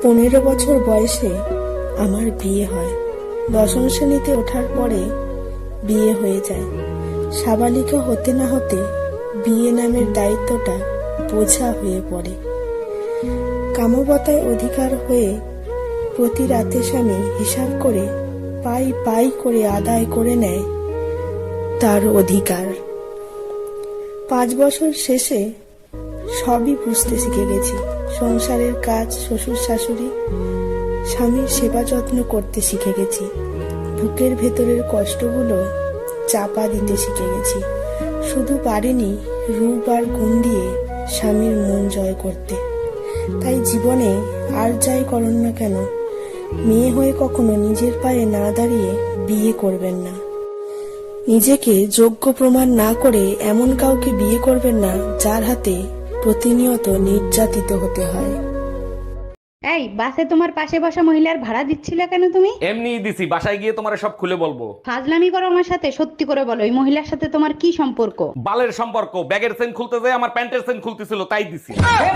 15 বছর বয়সে আমার বিয়ে হয়। দশম শ্রেণীতে ওঠার পরে বিয়ে হয়ে যায়। সাবালিকা হতে না হতে বিয়ে নামের দায়িত্বটা বোঝা হয়ে পড়ে। কামবতায় অধিকার হয়ে প্রতি রাতে স্বামী হিসাব করে পাই পাই করে আদায় করে নেয় তার অধিকার। 5 বছর শেষে সবই বুঝতে শিখে গেছি। সংসারের কাজ, শ্বশুর শাশুড়ি, স্বামীর সেবা যত্ন করতে শিখে গেছি। বুকের ভেতরের কষ্টগুলো চাপা দিতে শিখে গেছি। শুধু পারিনি রূপ আর গুণ দিয়ে স্বামীর মন জয় করতে। তাই জীবনে আর যাই করুন না কেন, মেয়ে হয়ে কখনো নিজের পায়ে না দাঁড়িয়ে বিয়ে করবেন না। নিজেকে যোগ্য প্রমাণ না করে এমন কাউকে বিয়ে করবেন না যার হাতে প্রতিনিয়ত নির্যাতিত হতে হয়। এই বাসে তোমার পাশে বসা মহিলার ভাড়া দিচ্ছিলে কেন তুমি? এমনিই দিছি, বাসায় গিয়ে তোমারে সব খুলে বলবো। ফাজলামি করো আমার সাথে, সত্যি করে বলো এই মহিলার সাথে তোমার কি সম্পর্ক? বালের সম্পর্ক, ব্যাগের চেন খুলতে যায় আমার প্যান্টের চেন খুলতেছিল, তাই দিছি।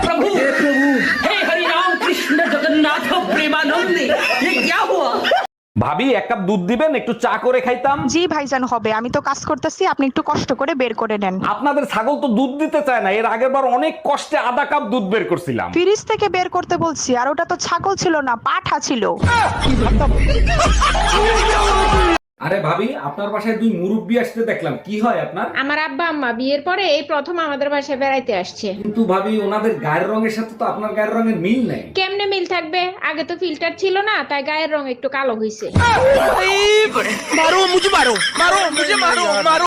ভাবি, এক কাপ দুধ দিবেন, একটু চা করে খাইতাম। জি ভাইজান, হবে। আমি তো কাজ করতেছি, আপনি একটু কষ্ট করে বের করে নেন। আপনাদের ছাগল তো দুধ দিতে চায় না। এর আগের বার অনেক কষ্টে আধা কাপ দুধ বের করছিলাম। ফ্রিজ থেকে বের করতে বলছি, আর ওটা তো ছাগল ছিল না, পাঠা ছিল। আরে ভাবি, আপনার বাসায় 2 মুরব্বি আসতে দেখলাম, কি হয় আপনার? আমার আব্বা আম্মা বিয়ের পরে এই প্রথম আমাদের বাসায় বেড়াইতে আসছে। কিন্তু ভাবি, ওনাদের গায়ের রঙের সাথে তো আপনার গায়ের রঙের মিল নেই। কেমনে মিল থাকবে? আগে তো ফিল্টার ছিল না, তাই গায়ের রং একটু কালো হইছে।